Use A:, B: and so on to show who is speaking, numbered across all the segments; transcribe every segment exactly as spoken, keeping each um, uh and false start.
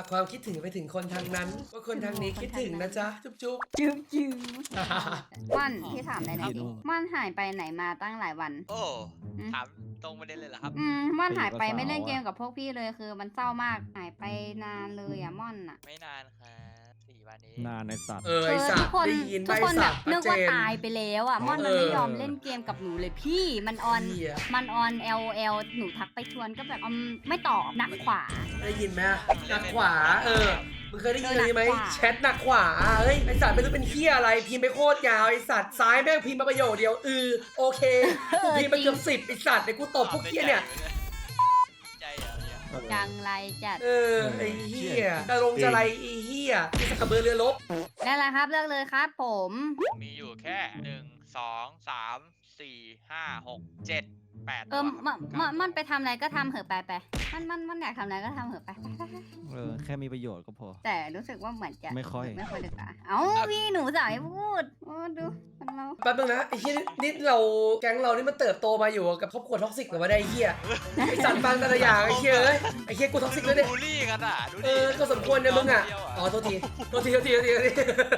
A: ากความคิดถึงไปถึงคนทางนั้นว่าคนทางนี้คิดถึงนะจ๊ะจุ๊บจุ๊บ
B: จืมจืมม่อนพี่ถามอะไรหน่อยดิม่อนหายไปไหนมาตั้งหลายวัน
C: โอ้ถามตรงประเด็นเลยเหรอครับ
B: อืมม่อนหายไปไม่เล่นเกมกับพวกพี่เลยคือมันเศร้ามากหายไปนานเลยอะม่อนอะ
C: ไม่นานครับสี่วันนี้
D: นานในสัตว์
A: เออไอสั
B: ทุ
A: ต
B: ก
A: ว์
B: คน
A: ได้ยิน
B: ทุ
A: ใบ
B: กคนแบ
A: สั
B: บ
A: ตว์
B: นึกว่า
A: เจน
B: ตายไปแล้วอะม่อนมันไม่ยอมเล่นเกมกับหนูเลยพี่มันออน
A: เหี้ย
B: มันออน L O L หนูทักไปชวนก็แบบอืมไม่ตอบหนักขวา
A: ได้ยินไหมหนักขวาเออมึงเคยได้ยินอะไรไหม
B: หนักขวา
A: แชทหนักขวาเฮ้ยไอสัตว์ไม่รู้เป็นเหี้ยอะไรพิมพ์ไปโคตรยาวไอสัตว์ซ้ายแม่งพิมพ์มาประโยคเดียวอือโอเคกูพิมพ์ไปเกือบสิบไอสัตว์ไอกูตบพวกเหี้ยเนี่ย
C: ใจเหรอเนี่ย
B: จังไรจัด
A: เออไอเหี้ยจะลงจะไรไอเหี้ยที่สกกระเบือเรือรบ
B: นั่นแหละครับเลือกเลยครับผม
C: มีอยู่แค่หนึ่งสองสามสี่ห้าหกเจ็ดแปด
B: เออมันมันมันไปทำอะไรก็ทำเหอะไปไปมันมันมันอยากทำอะไรก็ทำเหอะไปไปไปไป
D: เออแค่มีประโยชน์ก็พอ
B: แต่รู้สึกว่าเหมือนจะ
D: ไม่ค่อย
B: ไม่ค่อยดีกว่าเอ้าพี่หนูสายพูดโอ้ดูมันเรา
A: แป๊บนึงนะไอ้เหี้ยนี่เราแก๊งเรานี่มันเติบโตมาอยู่กับครอบครัวท็อกซิกหรือว่าได้ไอ้เหี้ยไอ้สัตว์ฟังแต่ละอย่างไอ้เหี้ยเอ้ยไอ้เหี้ยกูท็อกซิกเลยเนี่ย
C: บูลลี่กันอ่ะดูดิ
A: เออก็สมควรเนี่ยมึงอ่ะอ๋อโทษทีโทษทีโทษทีโทษทีโทษที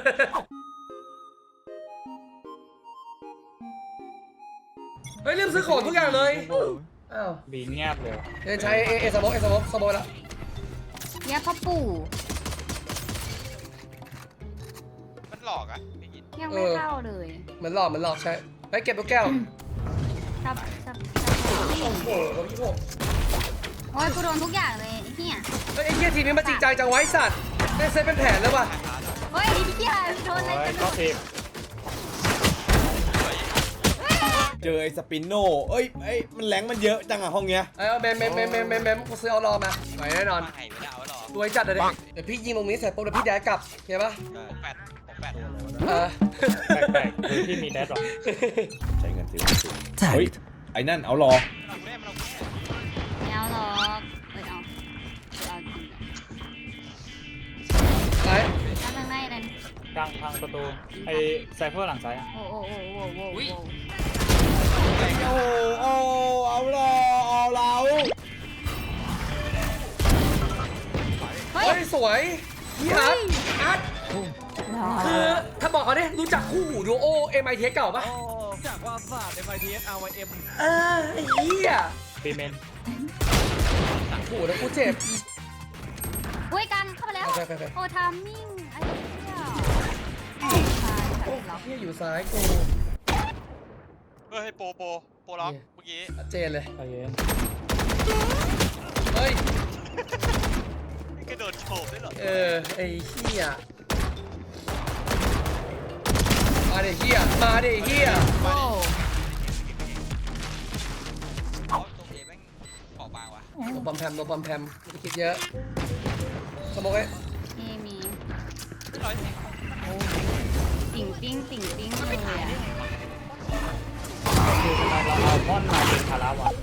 A: เฮ้ยลืมซื้อของทุกอย่างเลยอ้าว
E: บีเงียบเลย
A: เดินใช้เอเอสโมเอสโมสโมแล้ว
B: เนี่ยพ่อปู่
C: มันหลอกอ่ะได้ยิน
B: ยังไม่เข้าเลย
A: เหมือนหลอกเหมือนหลอกใช่ไปเก็บลูกแก้ว
B: ชับชับ
A: โอ้โหเราพี่พก
B: โอ้ยกูโดนทุกอย่างเลยไอ้เหี้ย
A: เฮ้ยไอ้เหี้ยทีมนี้มันจริงจังจังไว้สัตว์ได้เซตเป็นแผนแล้วว่ะ
B: เฮ้ยไอ้เหี้ยโดนอะไร
E: โอ้ย
B: กัน
E: ก็ทีม
F: เจอไอ้สปินโน่เอ้ยไอ้ยมันแรงมันเยอะจังอะห้องเนี้ย
A: เอ้ยเอาแมมแมมแมมแมมแมมแมมกูซื้อเอารอมาไหวแน่นอน
C: มาให้ไม่ได้เอาหรอ
A: รวยจัดเลยดิเดี๋ยวพี่ยิงตรงนี้เสร็จปุ๊บเดี๋ยวพี่ย้ายกลับเห็นปะ
C: หกแปดหกแปด
A: เออ
E: แปลกๆคือที่มีแดดหรอ
F: ใช้เงินซื้อเฮ้ยไอ้นั่นเอารอ
C: เราเล่นเราเล่น
B: ไม่เอาหรอกเอ้ยเอาเอาจริง
A: ไป
B: ทำยังไงนั่น
E: กลางทางประตูไอ้ไซเฟอร์หลังซ้ายอะ
B: โอ้โอ้โอ้โอ้โอ้โอ้
F: โอ้โอ้เอารอเอาเรา
B: เฮ้ย
A: เฮ้ยสวยพี่อาร์ตอาร์ตคือถ้าบอกเขาเนี่ยรู้จักคู่หูดูโอเอ็มไอเทเก่าปะ
D: จากว่าศาสตร์ เอ็ม ไอ ที เอส อาร์ วาย เอ็ม
A: เออไอ้เหี้ย
E: บีเมน
A: โอ้โหแล้วกูเจ็บ
B: อุ้ยกันเข้ามาแล้ว
A: ไปไปไป
B: โอ้ทามมิ่งไอ้เหี้ยโอ้ตาย
A: โอ้
B: ตายล็อก
A: เหี้ยอยู่ซ้ายกู
C: เฮ้ยโปโปโปล็อกเมื่อกี้
A: ชัดเจนเลย
E: ใจเย็น
A: เฮ้ย
C: กระโดดโฉบได้หรอ
A: เออไอ้เหี้ยมาเดี๋ยวเหี้ยมาเดี๋ยวเหี้ย
B: โอ้
C: เอาตรงเอแม่งขอบางว่ะ
A: โดนบอมแพมโดนบอมแพมไม่ได้คิดเยอะสมองไอ้
B: มีมี
C: ร้อยสิบ
B: ติ่งปิ้งติ่งปิ้งเลยอะ
E: คือทำไมเราเอาม่อนมาเป็นคาราวัน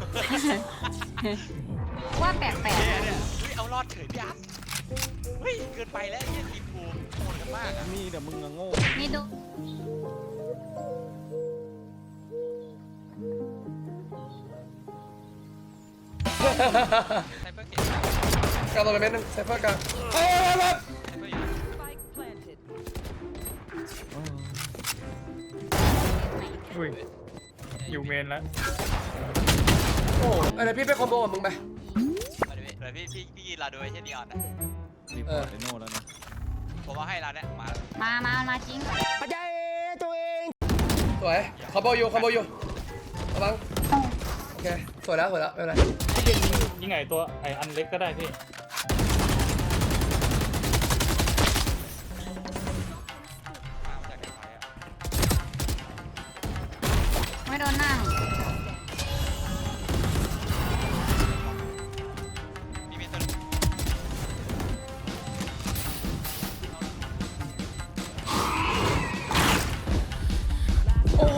B: ว่าแปลก
C: เฮ้ยเนี่ยเฮ้ยเอารอดเฉยพี่อัพเฮ้ยเกินไปแล้วไอ้ทีมกูโหดกันมากอ่ะ
D: มีแต่มึงอะโง่
B: ๆนี่ดู
C: ไซเบอร์เก่งมาก
A: กลับมาเป็นเม็ดนึงไซเฟอร์กลางเฮ้ย
C: ไซเบอร์อยู่
E: อุ้ยอยู่เมนแล้ว
A: โอ้อะไรพี่ไปคอมโบกับมึงไป
C: มาดิเดี๋ยวพี่พี่พี่ยีนเราดูไอ้เช่นนีออนนะ
D: รีพอร์ตไอโน่แล้วนะ
C: ผมว่าให้เราเนี่ยมา
B: มามามาจริง
A: สวยคอมโบอยู่คอมโบอยู่ระวังโอเคสวยแล้วสวยแล้วไม่เป็นไร
E: ยิ่งไงตัวไอ้อันเล็กก็ได้พี่
C: มาจากไหนอ่ะ
B: ไม่โดนหน้าหนู
C: มีมีตัว
A: โอ้โห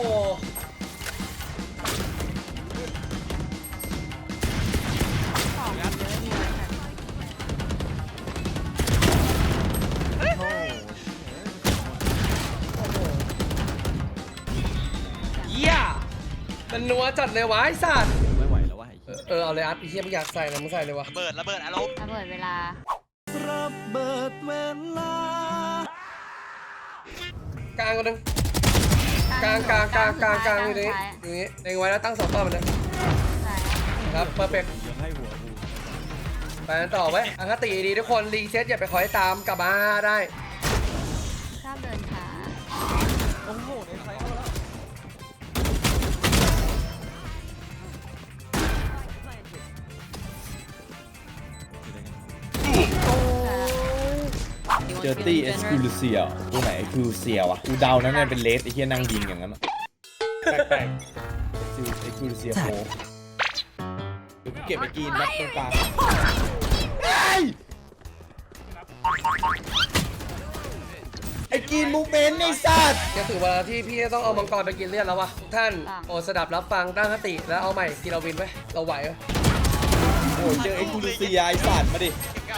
A: เยี่ยมันนัวจัดเลยวะไอ้สัตว์
D: ไม่ไหวแล้ววะไอ้
A: เอ
D: เหี้
A: อย เออเอาเลยอาร์ตไอ้เฮียมึงอยากใส่นะมึงใส่เลยวะ
C: ระเบิดระเบิดอารมณ์
B: ระเบิดเวลา
D: ระเบิดเวลาก
A: ลางคนหนึงกลางกลางกลางกลางกลางอยู่ตรงนี้อยู่นี้เล็งไว้แล้วตั้งสองเป้าเหมือนเดิมครับเพอร์เฟก
D: ยังให้หัวกู
A: ไปกันต่อไว้อังคติดีทุกคนรีเซ็ตอย่าไปคอยตามกลับมาได้
B: ชอบเดินช้า
D: โอ้โหในไซส์เอาแล้ว
F: เจอตี้เอสคูลูเซียตัวไหนคูลูเซียวะกูเดานะเนี่ยเป็นเลสไอ้เหี้ยนั่งยิงอย่างนั้นอะ
E: แปลก
F: ไอ้คูลูเซียโฟเดี๋ยวกูเก็บไอ้กรีนนัดตรงกลางไอ้กรีนมูเมนต์ไอ้สัตว์
A: จะถึงเวลาที่พี่จะต้องเอามังกรไปกินเลือดแล้ววะทุกท่านโอ้สดับรับฟังตั้งคติแล้วเอาใหม่กินเราวินไว้เราไหวไหม
F: โอ้เจอไอ้คูลูเซียไอ้สัตว์มาดิ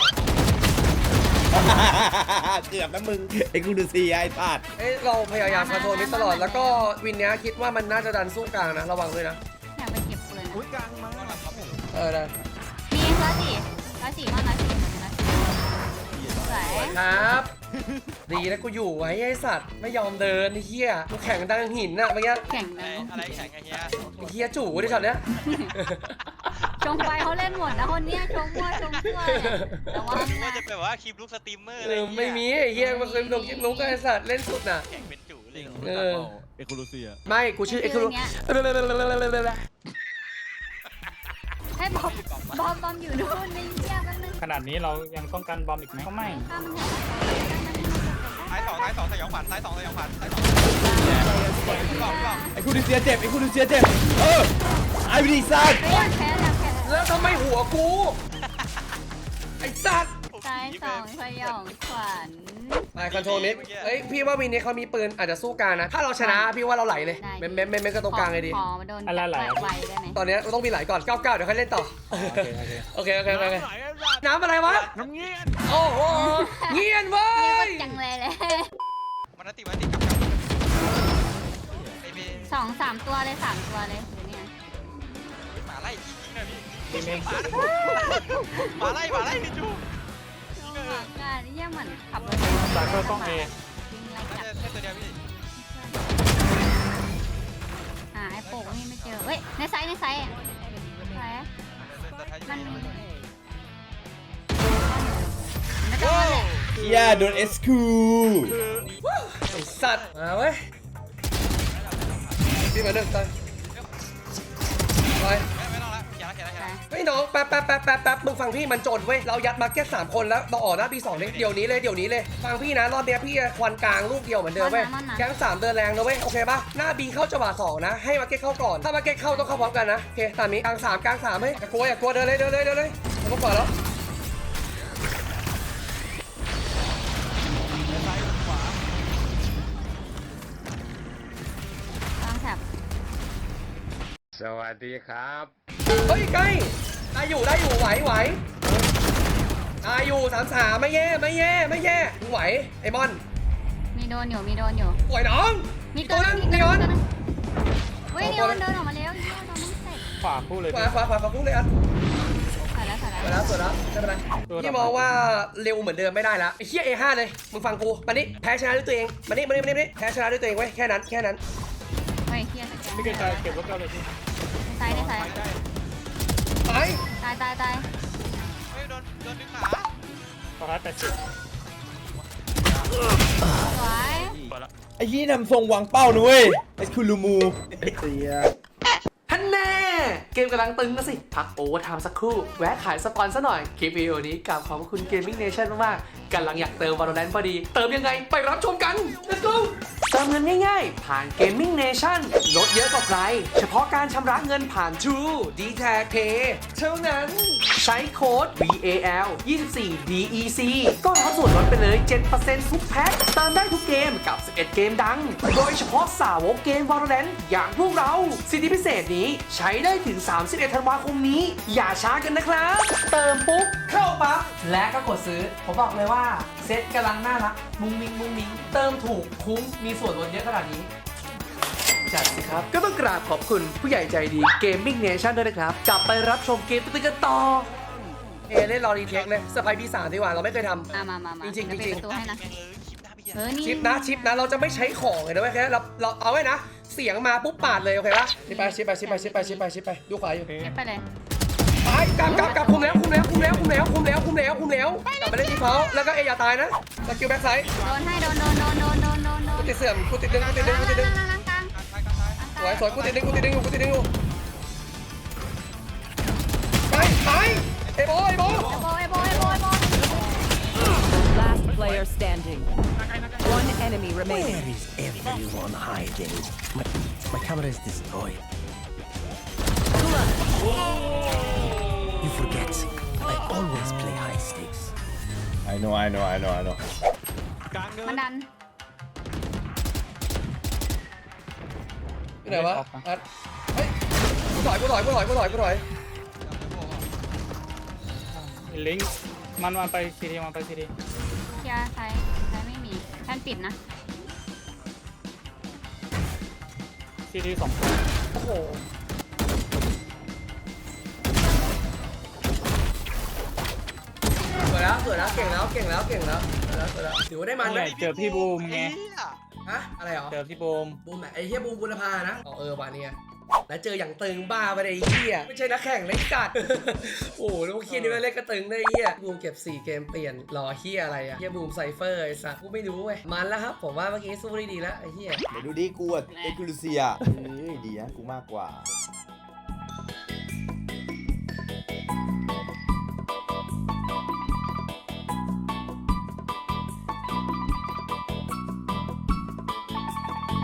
F: เกือบนะมึงไอ้คูลูเซียไอ้สัตว์
A: เอ้ยเราพยายามคอนโทรลมิดตลอดแล้วก็วินเนี้ยคิดว่ามันน่าจะดันสู้กลางนะระวังด้วยนะ
B: อยากไปเก็บปืน
D: อุ้ยกลางมา
A: เออได้
B: มีร้อยสี่ร้อยสี่มากร้อยสี่ร้อยสี่สวย
A: ครับดีนะกูอยู่ไว้ไอ้สัตว์ไม่ยอมเดินไอ้เหี้ยกูแข่งดังหินน่ะเมื่อกี้
B: แข่ง
C: ไอ้
B: นะ
C: อะไรแข่งไอ้เฮีย
A: ไอ้เหี้ยจู่ดิช็อตเนี้ย
B: ชงไปเขาเล่นหมดนะคนเนี้ยชงมั่วชงมั่วเนี่ยแต่ว่า
C: นึกว่าจะเป็นแบบว่าคลิปลูกสตรีมเมอร์อะไร
A: เออ
C: เงี้ย
A: ไม่มีไอ้เหี้ยมันเคยลงคลิปลุกไอ้สัตว์เล่นสุดน่ะ
C: แข่งเป็นจู่เลย
A: เออ
D: เอคูลูเซีย
A: ไม่กูชื่อเอ็กซ์ลู
B: ให้บอมบอมบอมอยู่นู่นนี่เยี่ยมันนึง
E: ๆขนาดนี้เรายังต้องการบอมอีกไหมก็ไม่
B: ข้ามมัน
C: ท้ายสองท้ายสองสยองขวัญท้ายสองสยองขวัญท้ายสองกล่องกล่อง
F: ไอ้คูลูเซียเจ็บไอ้คูลูเซียเจ็บเออไอ้ดีสัตว์
B: เฮ้ยแพ้แล้วแพ้
A: แล้วทำไมหัวกู ไอ้สัตว์
B: ซ้ายสองสยองขวัญ
A: ไปคอนโทรลมิดเอ้ยพี่ว่าวินนี้เขามีปืนอาจจะสู้กลางนะ ถ้าเราชนะพี่ว่าเราไหลเลยเม้มเม้มเม้มเม้มก็ตรงกลางเลยดี
B: ขอมาโดนไวได้ไหม
A: ตอนนี้เราต้องมีไหลก่อนเก้าเก้าเดี๋ยวค่อยเล่นต่อ
F: โอเคโอเค
A: โอเคโอเคโอเคน้ำอะไรวะ
D: น้ำเงี้ย
A: โอ้โหเงียนเว้
B: เรียก
A: ย
B: ว่าจังเลยเลย
C: มันติมันติกับไอ้เบ
B: สองสามตัวเลยสามตัวเลยหรือเนี่ย
C: หมาไล่จริงๆนะพี่
E: ทีมเอง
C: หมาไล่หมาไล่พี่จู
B: ช่วงหลังการนี่ยังเหมือนขับรถ
E: สายเข้ากล้องเอ
B: วิ่งไล่
C: แค่
B: จับ
C: แค่ตัวเดียวพี่
B: หาไอ้โป่งนี่ไม่เจอเฮ้ยในไซส์ในไซส์อะไร มันไม่ต้องเลย
F: เฮียโดนเอสคู
A: ไอ้สัตว์มาเว้ยพี่มาหนึ่งตายไป
C: ไม่ต้องละอย่าละอย่าละอย่าละ
A: เฮ้ยน้องแป๊บแป๊บแป๊บแป๊บแป๊บมึงฟังพี่มันโจดเว้ยเรายัดมาแค่สามคนแล้วเราออกหน้าปีสองเลยเดี๋ยวนี้เลยเดี๋ยวนี้เลยฟังพี่นะรอบเนี้ยพี่ควันกลางลูกเดียวเหมือนเดิมเว้ยแก๊งสามเดินแรงนะเว้ยโอเคปะหน้าบีเข้าจังหวะสองนะให้มาเก็ตเข้าก่อนถ้ามาเก็ตเข้าต้องเข้าพร้อมกันนะโอเคตามนี้กลางสามกลางสามเฮ้ยอย่ากลัวอย่ากลัวเดินเลยเดินเลยเดินเลยผมก่อนแล้ว
B: วางแถบ
G: สวัสดีครับ
A: เฮ้ยใกล้ได้อยู่ได้อยู่ไหวไหวได้อยู่สามสามไม่แย่ไม่แย่ไม่แย่มึงไหวไอ้มอน
B: มีโดนอยู่มีโดนอยู่
A: ไหวน้อง
B: มี
A: ตั
B: ตัว ว
A: นึ
B: นึ
A: ง
B: งมี
A: นี
B: ตัว
A: ออน
B: นึงเฮ้ยนีออนเดินออกมาแล้วนีออนโดนมึงเสร็จ
E: ขวาพูดเลย
A: ขวาขวาขวาขวาพุ่งเลยอ่ะ
B: ใส่แล้วใส่
A: สวย
B: แล้
A: แล้ว วสวยแล้วไม่เป็นไรพี่มองว่าเร็วเหมือนเดิมไม่ได้แล้วไอ้เหี้ย เอ ห้า เลยมึงฟังกูมานี่แพ้ชนะด้วยตัวเองมานี่มานี่มานี่มานี่แพ้ชนะด้วยตัวเองไว้ยแค่นั้นแค่นั้น
B: เฮ้ยเฮียสแกน
E: ไม่เกินใจเก็บรถเก้าเลยพี่
B: ในไซส์ในไซส์
A: ไป
B: ตายตายตาย
C: เฮ้ยโดนโดนดึงขา
E: ขอท้ายแปดสิบ
B: สวย
F: ไอ้ยี่นำทรงวางเป้านะเว้ยเอสคูลูมู
A: ท่านแน่เกมกำลังตึงนะสิพักโอเวอร์ไทม์สักครู่แวะขายสปอนซะหน่อยคลิปวิดีโอนี้กราบขอบคุณ Gaming Nation มากๆกำลังอยากเติม Valorant พอดี เติมยังไงไปรับชมกัน let's go เติมเงินง่ายๆ ผ่าน Gaming Nation ลดเยอะกว่าใคร เฉพาะการชำระเงินผ่าน True ดี แท็ก Pay เท่านั้น ใช้โค้ด วี เอ แอล ยี่สิบสี่ ดี อี ซี ก็รับส่วนลดไปเลย เจ็ดเปอร์เซ็นต์ ทุกแพ็คเติมได้ทุกเกมกับ สิบเอ็ด เกมดัง โดยเฉพาะสาวกเกม Valorant อย่างพวกเรา สิทธิพิเศษนี้ใช้ได้ถึง สามสิบเอ็ด ธันวาคมนี้ อย่าช้ากันนะครับ เติมปุ๊บ เข้าปั๊บ และก็กดซื้อ ผมบอกเลยว่า เซ็ตกำลังน่ารัก มุ้งมิ้งมุ้งมิ้งเติมถูกคุ้มมีส่วนลดเยอะขนาดนี้ จัดสิครับ ก็ต้องกราบขอบคุณผู้ใหญ่ใจดี Gaming Nation ด้วยนะครับ กลับไปรับชมเกมตึ้งๆกันต่อเอเล่นรอรีเทคเลยสไปพีสามดีกว่าเราไม่เคยท
B: มามามามา
A: จริงๆ
B: เดี๋ยว
A: จริงๆ
B: ปิดประตูให้นะ
C: แม่งเลยคลิปหน้าพี่
B: เออ นี่
A: ำชิปนะชิปนะเราจะไม่ใช้ของเลยนะเว้ยแค่เราเราเอาไว้นะเสียงมาปุ๊บปาดเลยโอเคปะชิปไปชิปไปชิปไปชิปไปชิปไปชิปไปดูขวาอยู่
E: โอเค
B: เก็บไปเลย
A: ไปกลับกลับกลับคุมแล้วคุมแล้วคุมแล้วคุมแล้วคุมแล้วคุมแล้วคุมแล้วกลับไปเล่นที่เขาแล้วก็เออย่าตายนะสกิลแบ็คไซด์
B: โดนให้โดนโดนโดนโดนโดนโดนโด
A: กู
B: น
A: ติดเสื่อมกูติดดึงกูติดดึงกูติดดึง
B: ล่างล่างกลาง
C: การซ้ายการซ้าย
A: สวยสวยกูติดดึงกูติดดึงอยู่กูติดดึงอยู่ไปไปเอโบเอโบ
B: เอโบเอโบเอโบเอโบ
H: Last player standing. One enemy remaining.
I: Where is everyone hiding? My, my camera is destroyed. You forget, I always play high stakes.
F: I know I know I know I know
D: กลางเนิ
B: มัน
D: น
B: ดัน
A: ที่ไหนวะอัดเฮ้ยกูถอยกูถอยกูถอยกูถอยกูถอย
E: ลิงก์มันมาไปซีดีมาไปซีดี
B: เคลียร์ไซส์ไซส์ไม่มีแทนปิดนะ
E: ซีดีสอง
A: โอ้โหสวยแล้วสวยแล้วเก่งแล้วเก่งแล้วเก่งแล้วสวยแล้วสวยแล้วถือว่าได้มันไหม
E: เจอพี่บูมไง
A: ฮะอะไรหรอ
E: เจอพี่บูม
A: บูมไหนไอ้เหี้ยบูมบุรพานะอ๋อเออวันนี้แล้วเจออย่างตึงบ้าไปเลยไอ้เหี้ยไม่ใช่นักแข่งเลยกัด โอ้โหลูกเคียนี่มันเล่นกระตึงได้ไอ้เหี้ยบูมเก็บสี่เกมเปลี่ยนรอเหี้ยอะไรอะเหี้ยบูมไซเฟอร์ไอ้สัสกูไม่รู้เว้ยมันแล้วครับผมว่าเมื่อกี้สู้ได้ดีแล้วไอ้เหี้ย
F: เดี๋ยวดูดิกูอะเอ็กซ์คลูเซียเฮ้ยดีนะกูมากกว่า